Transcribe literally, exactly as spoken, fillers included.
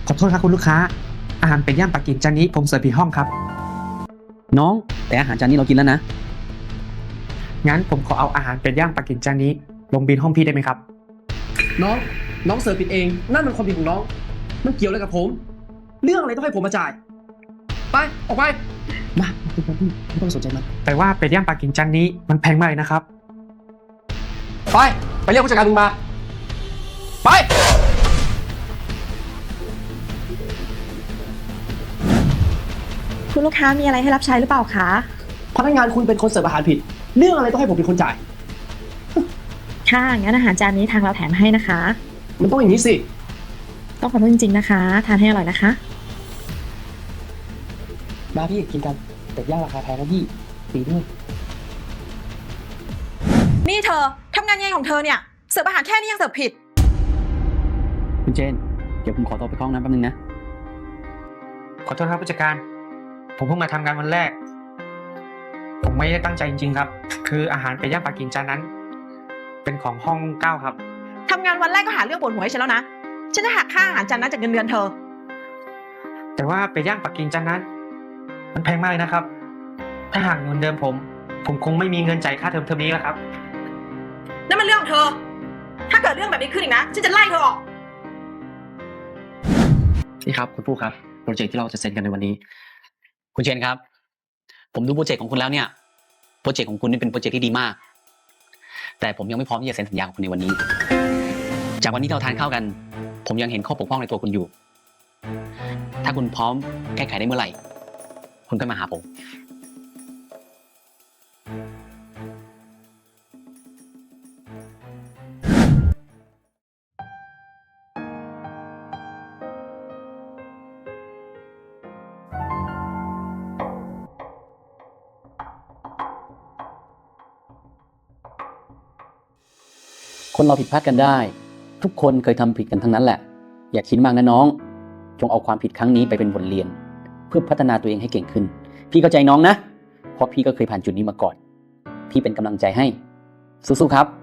ขอโทษครับคุณลูกค้าอาหารเป็ดย่างปักกิ่งจานนี้ผมเสิร์ฟผิดห้องครับน้องแต่อาหารจานนี้เรากินแล้วนะงั้นผมขอเอาอาหารเป็ดย่างปักกิ่งจานนี้ลงบิลห้องพี่ได้ไหมครับน้องน้องเสิร์ฟผิดเองนั่นมันความผิดของน้องมันเกี่ยวอะไรกับผม เรื่องอะไรต้องให้ผมมาจ่าย ไปออกไปมาคุณพี่ไม่ต้องสนใจมันแต่ว่าเป็ดย่างปักกิ่งจานนี้มันแพงมากเลยนะครับไปไปเรียกผู้จัดการมึงมาไปคุณลูกค้ามีอะไรให้รับใช้หรือเปล่าคะพนักงานคุณเป็นคนเสิร์ฟอาหารผิด เรื่องอะไรต้องให้ผมเป็นคนจ่ายค่ะงั้นอาหารจานนี้ทางเราแถมให้นะคะมันต้องอย่างนี้สิต้องขอโทษจริงๆนะคะ ทานให้อร่อยนะคะมาพี่กินกันแต่ย่างราคาแพงนะพี่ฟรีด้วยนี่เธอทำงานยังไงของเธอเนี่ยเสิร์ฟอาหารแค่นี้ยังเสิร์ฟผิดคุณเจนเดี๋ยวผมขอตัวไปเข้าห้องน้ำแป๊บนึงนะขอโทษครับผู้จัดการผมเพิ่งมาทำงานวันแรก ผมไม่ได้ตั้งใจจริงๆครับ คืออาหารเป็ดย่างปักกิ่งจานนั้น เป็นของห้องเก้าครับทำงานวันแรกก็หาเรื่องปวดหัวให้ฉันแล้วนะ ฉันจะหักค่าอาหารจานนั้นจากเงินเดือนเธอแต่ว่าเป็ดย่างปักกิ่งจานนั้น มันแพงมากเลยนะครับ ถ้าหากเงินเดิมผม ผมคงไม่มีเงินจ่ายค่าเทอมเทอมนี้แล้วครับนั่นมันเรื่องของเธอ ถ้าเกิดเรื่องแบบนี้ขึ้นอีกนะ ฉันจะไล่เธอออกนี่ครับคุณผู้ครับโปรเจกต์ที่เราจะเซ็นกันในวันนี้ คุณเชนครับ ผมดูโปรเจกต์ของคุณแล้วเนี่ยโปรเจกต์ของคุณนี่เป็นโปรเจกต์ที่ดีมาก แต่ผมยังไม่พร้อมที่จะเซ็นสัญญากับคุณในวันนี้ จากวันนี้เราทานข้าวกัน ผมยังเห็นข้อปกพร่องในตัวคุณอยู่ ถ้าคุณพร้อมแก้ไขได้เมื่อไหร่ คุณก็มาหาผม คนเราผิดพลาดกันได้ ทุกคนเคยทำผิดกันทั้งนั้นแหละ อย่าคิดมากนะน้อง จงเอาความผิดครั้งนี้ไปเป็นบทเรียน เพื่อพัฒนาตัวเองให้เก่งขึ้น พี่เข้าใจน้องนะ เพราะพี่ก็เคยผ่านจุดนี้มาก่อน พี่เป็นกำลังใจให้ สู้ๆครับ